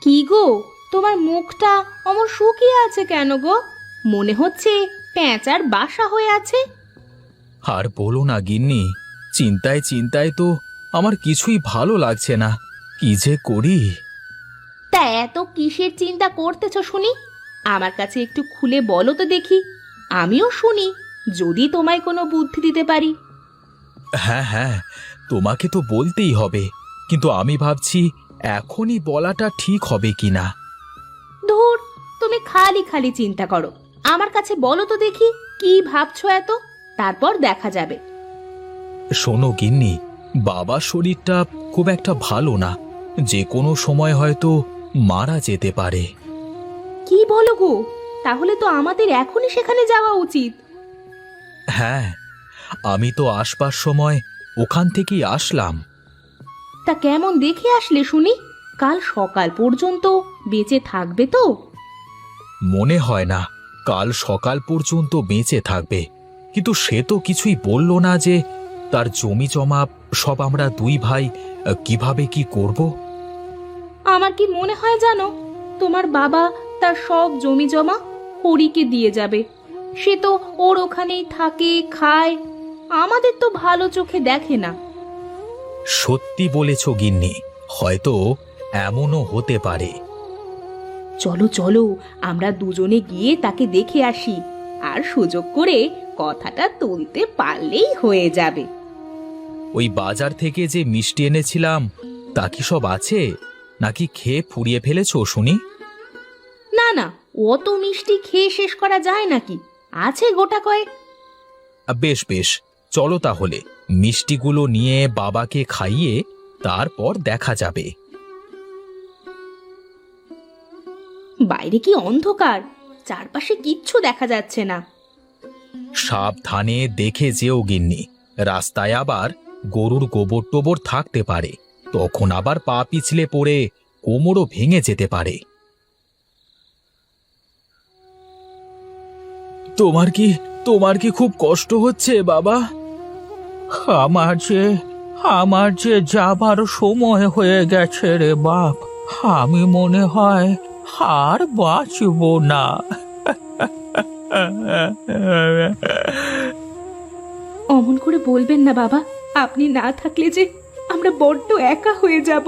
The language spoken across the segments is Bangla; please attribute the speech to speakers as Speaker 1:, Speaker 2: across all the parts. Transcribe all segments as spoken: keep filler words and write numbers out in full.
Speaker 1: কি গো, তোমার মুখটা অমন শুকিয়ে আছে কেন গো? মনে হচ্ছে পেঁচার বাসা হয়ে আছে।
Speaker 2: আর বলো না গিন্নি, চিন্তায় চিন্তায় তো আমার কিছুই ভালো লাগছে না। কি যে করি।
Speaker 1: তা এত কিসের চিন্তা করতেছ শুনি? আমার কাছে একটু খুলে বলো তো দেখি, আমিও শুনি, যদি তোমায় কোনো বুদ্ধি দিতে পারি।
Speaker 2: হ্যাঁ হ্যাঁ, তোমাকে তো বলতেই হবে, কিন্তু আমি ভাবছি এখনই বলাটা ঠিক হবে কিনা।
Speaker 1: ধুর, তুমি খালি খালি চিন্তা করো। আমার কাছে বলো তো দেখি কি ভাবছো এত, তারপর দেখা যাবে।
Speaker 2: শোনো গিন্নি, বাবার শরীরটা খুব একটা ভালো না, যে কোনো সময় হয়তো মারা যেতে পারে।
Speaker 1: কি বলো গো? তাহলে তো আমাদের এখনই সেখানে যাওয়া উচিত।
Speaker 2: হ্যাঁ, আমি তো আসবার সময় ওখান থেকেই আসলাম।
Speaker 1: তা কেমন দেখে আসলে শুনি? কাল সকাল পর্যন্ত বেঁচে থাকবে তো?
Speaker 2: মনে হয় না কাল সকাল পর্যন্ত বেঁচে থাকবে, কিন্তু সে তো কিছুই বলল না যে তার জমি জমা সব আমরা দুই ভাই আহ, কিভাবে কি করব।
Speaker 1: আমার কি মনে হয় জানো, তোমার বাবা তার সব জমি জমা হরিকে দিয়ে যাবে। সে তো ওর ওখানেই থাকে, খায়, আমাদের তো ভালো চোখে দেখে না।
Speaker 2: সত্যি বলেছ গিন্নি, হয়তো এমনও হতে পারে।
Speaker 1: চলো চলো, আমরা দুজনে গিয়ে তাকে দেখে আসি, আর সুযোগ করে কথাটা তুলতে পারলেই হয়ে যাবে।
Speaker 2: ওই বাজার থেকে যে মিষ্টি এনেছিলাম তা কি সব আছে, নাকি খেয়ে ফুরিয়ে ফেলেছো শুনি?
Speaker 1: না না, অত মিষ্টি খেয়ে শেষ করা যায় নাকি? আছে গোটা কয়েক।
Speaker 2: আহ, বেশ বেশ, চলো তাহলে মিষ্টিগুলো নিয়ে বাবাকে খাইয়ে তারপর দেখা যাবে।
Speaker 1: বাইরে কি অন্ধকার, চারপাশে কিচ্ছু দেখা যাচ্ছে না।
Speaker 2: সাবধানে দেখে যেও গিন্নি, রাস্তায় আবার গরুর গোবর টোবর থাকতে পারে, তখন আবার পা পিছলে পড়ে কোমরও ভেঙে যেতে পারে। তোমার কি তোমার কি খুব কষ্ট হচ্ছে বাবা?
Speaker 3: আমার যে আমার যে যাবার সময় হয়ে গেছে রে বাপ। আমি মনে হয় আর বাঁচব না।
Speaker 1: অমন করে বলবেন না বাবা, আপনি না থাকলে যে আমরা বড্ড একা হয়ে যাব।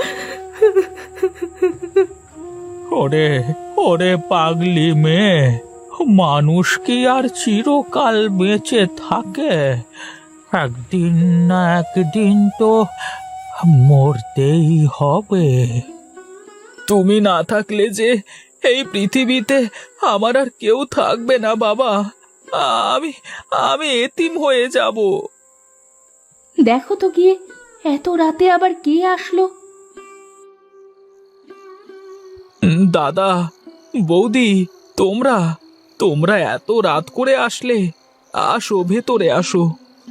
Speaker 3: ওরে ওরে পাগলি মেয়ে, মানুষ কি আর চিরকাল বেঁচে থাকে? একদিন না একদিন তো মরতেই হবে।
Speaker 2: তুমি না থাকলে যে এই পৃথিবীতে আমার আর কেউ থাকবে না বাবা। আমি আমি এতিম হয়ে যাব।
Speaker 1: দেখো তো গিয়ে, এত রাতে আবার কে আসলো?
Speaker 2: দাদা, বৌদি, তোমরা তোমরা এত রাত করে আসলে, আসো ভেতরে আসো।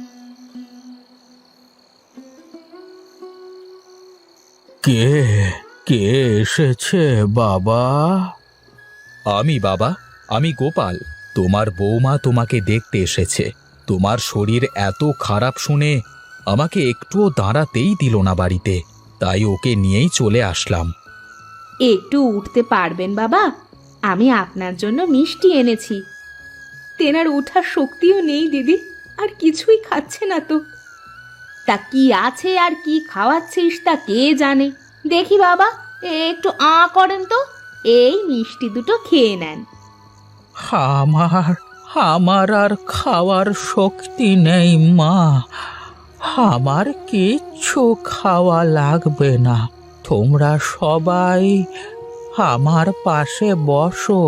Speaker 3: কে কে এসেছে বাবা?
Speaker 2: আমি বাবা, আমি গোপাল। তোমার বৌমা তোমাকে দেখতে এসেছে। তোমার শরীর এত খারাপ শুনে আমাকে একটুও দাঁড়াতেই দিল না বাড়িতে, তাই ওকে নিয়েই চলে আসলাম।
Speaker 1: একটু উঠতে পারবেন বাবা? আমি আপনার জন্য মিষ্টি এনেছি। তেনার ওঠার শক্তিও নেই দিদি, আর কিছুই খাচ্ছে না তো। তা কি আছে আর কি খাওয়াচ্ছিস তা কে জানে। দেখি বাবা, একটু আ করেন তো, এই মিষ্টি দুটো খেয়ে নেন।
Speaker 3: আমার আমার আর খাওয়ার শক্তি নেই মা। আমার কিচ্ছু খাওয়া লাগবে না। তোমরা সবাই আমার পাশে বসো।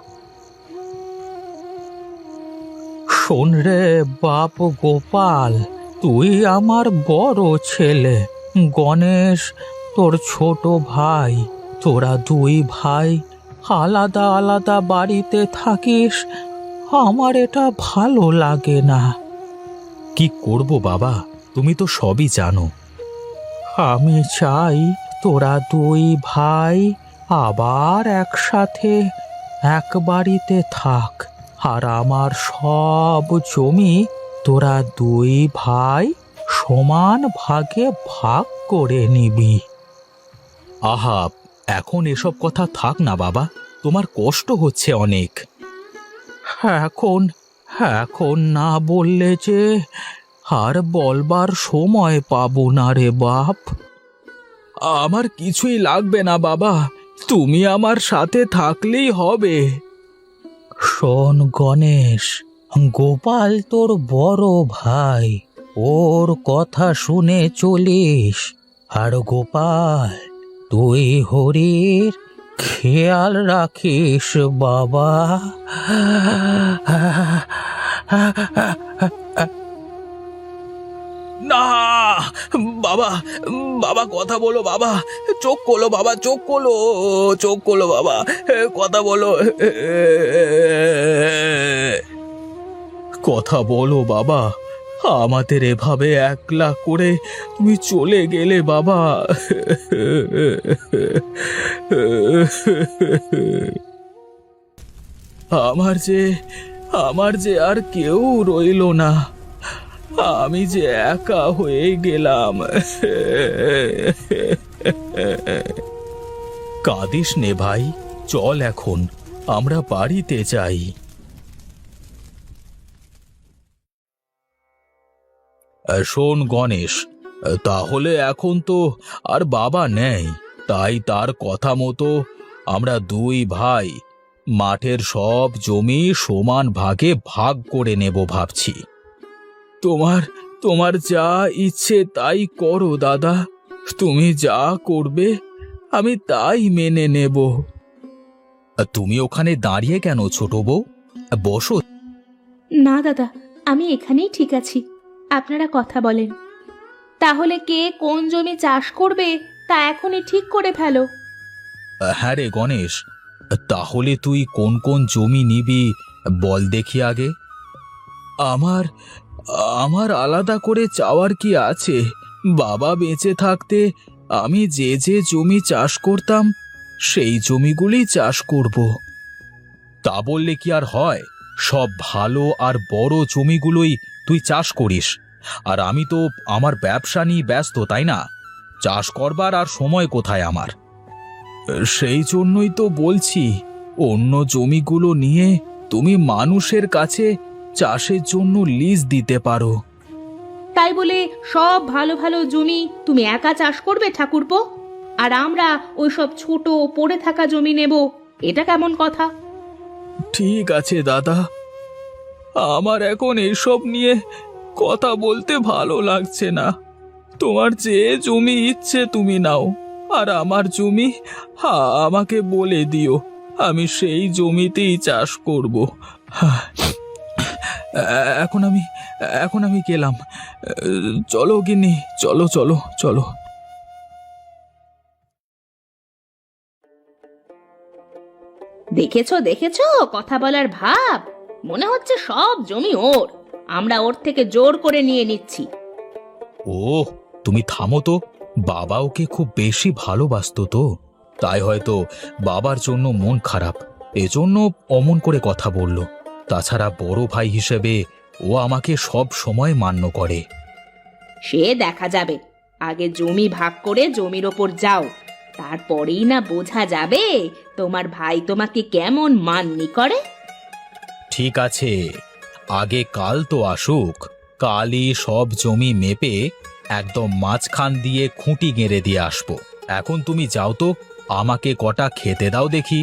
Speaker 3: শোন রে বাপ গোপাল, তুই আমার বড় ছেলে, গণেশ তোর ছোট ভাই। তোরা দুই ভাই আলাদা আলাদা বাড়িতে থাকিস, আমার এটা ভালো লাগে না।
Speaker 2: কি করব বাবা, তুমি তো সবই জানো।
Speaker 3: আমি চাই তোরা দুই ভাই আবার একসাথে এক বাড়িতে থাক, আর আমার সব জমি তোরা দুই ভাই সমান ভাগে ভাগ করে নিবি।
Speaker 2: আহা, এখন এসব কথা থাক না বাবা, তোমার কষ্ট হচ্ছে অনেক।
Speaker 3: এখন এখন না বললে যে আর বলবার সময় পাবো না রে বাপ।
Speaker 2: আমার কিছুই লাগবে না বাবা, তুমি আমার সাথে থাকলেই হবে।
Speaker 3: শোন গণেশ, গোপাল তোর বড় ভাই, ওর কথা শুনে চলিস। আর গোপাল, তুই হরির খেয়াল রাখিস বাবা।
Speaker 2: না বাবা, বাবা কথা বলো বাবা, চোখ খোলো বাবা, চোখ খোলো, চোখ খোলো বাবা, কথা বলো, কথা বলো বাবা। আমাদের এভাবে একলা করে তুমি চলে গেলে বাবা। আমার যে আমার যে আর কেউ রইলো না, আমি যে একা হয়ে গেলাম। কাঁদিস নে ভাই, চল এখন আমরা বাড়িতে যাই। শোন গণেশ, তাহলে এখন তো আর বাবা নেই, তাই তার কথা মতো আমরা দুই ভাই মাঠের সব জমি সমান ভাগে ভাগ করে নেব ভাবছি। তোমার তোমার যা ইচ্ছে তাই করো দাদা, তুমি যা করবে আমি তাই মেনে নেব। তুমি ওখানে দাঁড়িয়ে কেন ছোট বউ, বসো।
Speaker 1: না দাদা, আমি এখানেই ঠিক আছি, আপনারা কথা বলেন। তাহলে কে কোন জমি চাষ করবে তা এখনই ঠিক করে ফেলো।
Speaker 2: হ্যাঁ রে গণেশ, তাহলে তুই কোন কোন জমি নিবি বল দেখি আগে। আমার আমার আলাদা করে চাওয়ার কি আছে? বাবা বেঁচে থাকতে আমি যে যে জমি চাষ করতাম সেই জমিগুলি চাষ করব। তা বললে কি আর হয়? সব ভালো আর বড় জমিগুলোই তুই চাষ করিস, আর আমি তো আমার ব্যবসা নিয়ে ব্যস্ত, তাই না? চাষ করবার আর সময় কোথায় আমার? সেই জন্যই তো বলছি, অন্য জমিগুলো নিয়ে তুমি মানুষের কাছে চাষের জন্য লিজ দিতে পারো।
Speaker 1: তাই বলে সব ভালো ভালো জমি তুমি একা চাষ করবে ঠাকুরপো, আর আমরা ওই সব ছোট পড়ে থাকা জমি নেব? এটা কেমন কথা?
Speaker 2: ঠিক আছে দাদা, আমার এখন এসব নিয়ে কথা বলতে ভালো লাগছে না। তোমার যে জমি ইচ্ছে তুমি নাও, আর আমার জমি আমাকে বলে দিও, আমি সেই জমিতেই চাষ করব। এখন আমি এখন আমি গেলাম। চলো গিন্নি, চলো চলো চলো।
Speaker 1: দেখেছো দেখেছো কথা বলার ভাব, মনে হচ্ছে সব জমি ওর, আমরা ওর থেকে জোর করে নিয়ে নিচ্ছি।
Speaker 2: ও তুমি থামো তো, বাবা ওকে খুব বেশি ভালোবাসতো তো, তাই হয়তো বাবার জন্য মন খারাপ, এজন্য অমন করে কথা বলল। তাছাড়া বড় ভাই হিসেবে ও আমাকে সব সময় মান্য করে।
Speaker 1: সে দেখা যাবে, আগে জমি ভাগ করে জমির ওপর যাও, তারপরেই না বোঝা যাবে তোমার ভাই তোমাকে কেমন মান্যি করে।
Speaker 2: ঠিক আছে, আগে কাল তো আসুক, কালই সব জমি মেপে একদম মাঝখান দিয়ে খুঁটি গেঁড়ে দিয়ে আসবো। এখন তুমি যাও তো, আমাকে কটা খেতে দাও দেখি।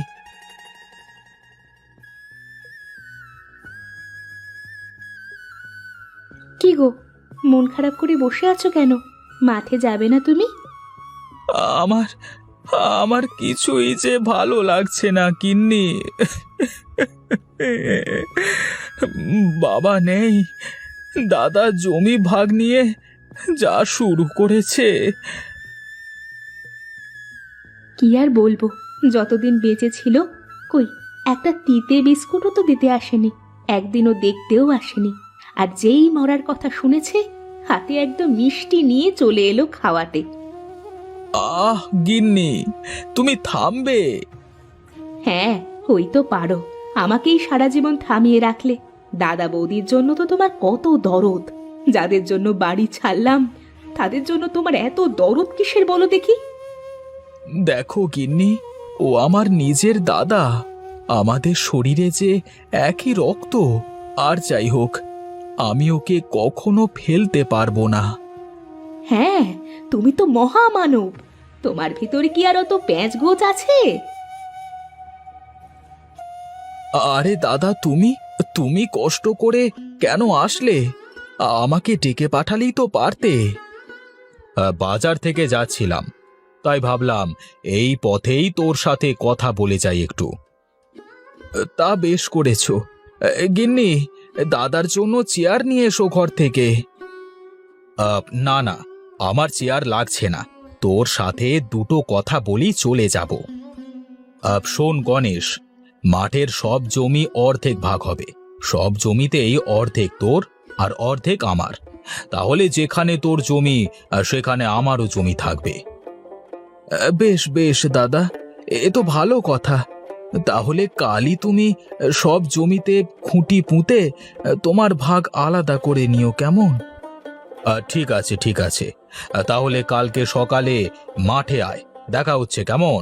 Speaker 1: কি গো, মন খারাপ করে বসে আছো কেন? মাঠে যাবে না তুমি?
Speaker 2: আমার আমার কিছুই যে ভালো লাগছে না গিন্নি। বাবা নেই, দাদা জমি ভাগ নিয়ে যা শুরু করেছে।
Speaker 1: কি আর বলবো, যতদিন বেঁচে ছিল কই একটা তিতে বিস্কুটও তো দিতে আসেনি, একদিনও দেখতেও আসেনি। আর যেই মরার কথা শুনেছে, হাতে একদম মিষ্টি নিয়ে চলে এলো খাওয়াতে।
Speaker 2: আহ গিন্নি, তুমি থামবে?
Speaker 1: হ্যাঁ, ওই তো পারো, আমাকেই সারা জীবন থামিয়ে রাখলে। দাদা বৌদির জন্য তো তোমার কত দরদ, যাদের জন্য বাড়ি ছাড়লাম তাদের জন্য তোমার এত দরদ কিসের বলো দেখি?
Speaker 2: দেখো গিন্নি, ও আমার নিজের দাদা। আমাদের শরীরে যে একই রক্ত। আর যাই হোক, আমি ওকে কখনো ফেলতে পারবো না।
Speaker 1: হ্যাঁ, তুমি তো মহামানব। তোমার ভিতরে কি আর অত প্যাঁচ গোছ আছে?
Speaker 2: আরে দাদা, তুমি তুমি কষ্ট করে কেন আসলে? আমাকে ডেকে পাঠালেই তো পারতে। বাজার থেকে যাচ্ছিলাম, তাই ভাবলাম এই পথেই তোর সাথে কথা বলে যাই একটু। তা বেশ করেছো। গিন্নি, দাদার জন্য চেয়ার নিয়ে এসো ঘর থেকে। আহ, না না, আমার চেয়ার লাগছে না। তোর সাথে দুটো কথা বলি চলে যাব। আহ, শোন গণেশ, মাঠের সব জমি অর্ধেক ভাগ হবে। সব জমিতেই অর্ধেক তোর আর অর্ধেক আমার। তাহলে যেখানে তোর জমি, আহ, সেখানে আমারও জমি থাকবে। আহ, বেশ বেশ দাদা, এ তো ভালো কথা। তাহলে কালই তুমি সব জমিতে খুঁটি পুঁতে তোমার ভাগ আলাদা করে নিও, কেমন? আহ, ঠিক আছে ঠিক আছে। আহ, তাহলে কালকে সকালে মাঠে আয়, দেখা হচ্ছে, কেমন?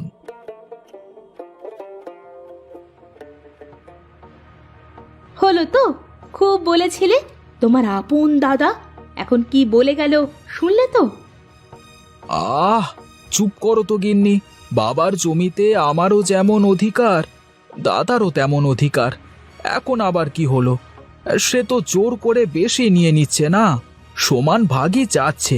Speaker 1: হলো তো, খুব বলেছিলে তোমার আপন দাদা, এখন কি বলে গেল শুনলে তো?
Speaker 2: আহ, চুপ করো তো গিন্নি। বাবার জমিতে আমারও যেমন অধিকার, দাদারও তেমন অধিকার। এখন আবার কি হলো? সে তো জোর করে বেশি নিয়ে নিচ্ছে না, সমান ভাগই চাচ্ছে।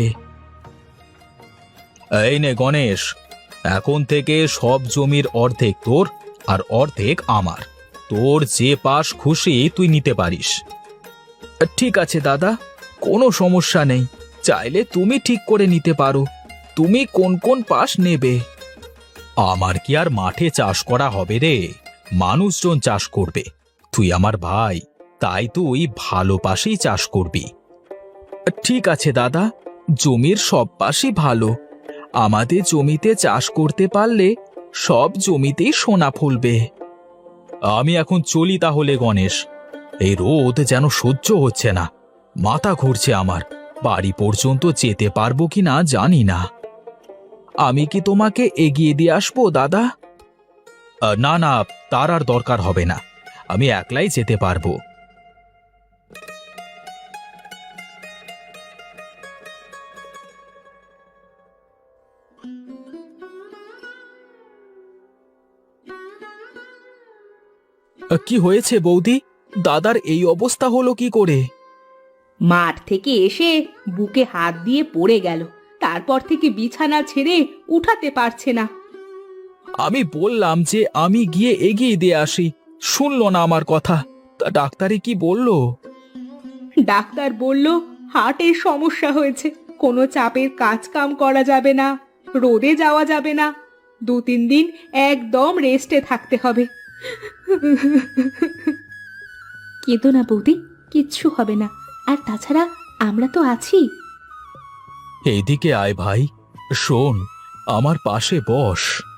Speaker 2: এই নে গণেশ, এখন থেকে সব জমির অর্ধেক তোর আর অর্ধেক আমার। তোর যে পাশ খুশি তুই নিতে পারিস। ঠিক আছে দাদা, কোনো সমস্যা নেই। চাইলে তুমি ঠিক করে নিতে পারো তুমি কোন কোন পাশ নেবে। আমার কি আর মাঠে চাষ করা হবে রে? মানুষজন চাষ করবে। তুই আমার ভাই, তাই তুই ভালো পাশেই চাষ করবি। ঠিক আছে দাদা, জমির সব পাশই ভালো। আমাদের জমিতে চাষ করতে পারলে সব জমিতেই সোনা ফলবে। আমি এখন চলি তাহলে গণেশ। এই রোদ যেন সহ্য হচ্ছে না, মাথা ঘুরছে আমার। বাড়ি পর্যন্ত যেতে পারবো কি না জানি না। আমি কি তোমাকে এগিয়ে দিয়ে আসবো দাদা? না না, তার আর দরকার হবে না, আমি একলাই যেতে পারবো। কি হয়েছে বৌদি? দাদার এই অবস্থা হলো কি করে?
Speaker 1: মাঠ থেকে এসে বুকে হাত দিয়ে পড়ে গেল, তারপর থেকে বিছানা ছেড়ে উঠাতে পারছে না।
Speaker 2: আমি বললাম যে আমি গিয়ে এগিয়ে দিয়ে আসি, শুনলো না আমার কথা। তা ডাক্তারে কি বলল?
Speaker 1: ডাক্তার বলল হার্টের সমস্যা হয়েছে, কোনো চাপের কাজ কাম করা যাবে না, রোদে যাওয়া যাবে না, দু তিন দিন একদম রেস্টে থাকতে হবে। কেঁদো না বৌদি, কিচ্ছু হবে না। আর তাছাড়া আমরা তো আছি।
Speaker 2: এইদিকে আয় ভাই, শোন, আমার পাশে বস।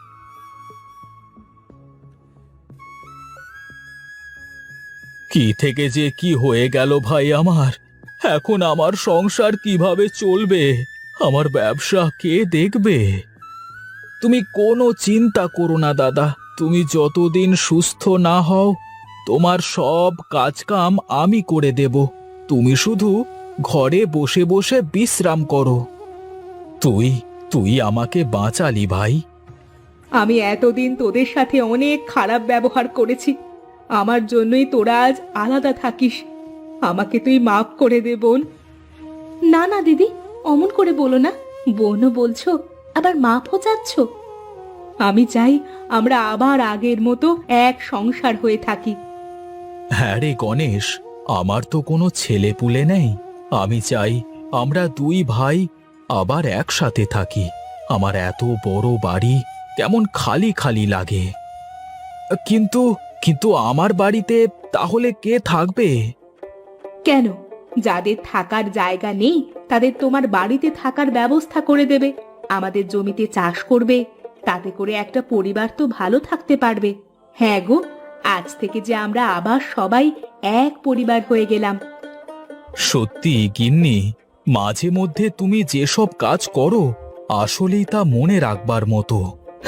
Speaker 2: কি থেকে যে কি হয়ে গেল ভাই আমার! এখন আমার সংসার কিভাবে চলবে? আমার ব্যবসা কে দেখবে? তুমি কোনো চিন্তা করো না দাদা। তুমি যতদিন সুস্থ না হও, তোমার সব কাজকাম আমি করে দেব। তুমি শুধু ঘরে বসে বসে বিশ্রাম করো। তুই তুই আমাকে বাঁচালি ভাই।
Speaker 1: আমি এতদিন তোদের সাথে অনেক খারাপ ব্যবহার করেছি, আমার জন্যই তোরা আজ আলাদা থাকিস। আমাকে তুই মাফ করে দে বোন। না না দিদি, অমন করে বলো না। বোনও বলছো, আবার মাফও চাচ্ছ। আমি চাই আমরা আবার আগের মতো এক সংসার হয়ে থাকি।
Speaker 2: হ্যাঁ রে গণেশ, আমার তো কোনো ছেলে পুলে নেই। আমি চাই আমরা দুই ভাই আবার একসাথে থাকি। আমার এত বড় বাড়ি কেমন খালি খালি লাগে। কিন্তু কিন্তু আমার বাড়িতে তাহলে কে থাকবে?
Speaker 1: কেন, যাদের থাকার জায়গা নেই তাদের তোমার বাড়িতে থাকার ব্যবস্থা করে দেবে। আমাদের জমিতে চাষ করবে, তাতে করে একটা পরিবার তো ভালো থাকতে পারবে। হ্যাঁ গো, আজ থেকে যে আমরা আবার সবাই এক পরিবার হয়ে গেলাম।
Speaker 2: সত্যি গিন্নি, মাঝে মধ্যে তুমি যেসব কাজ করো আসলেই তা মনে রাখবার মতো।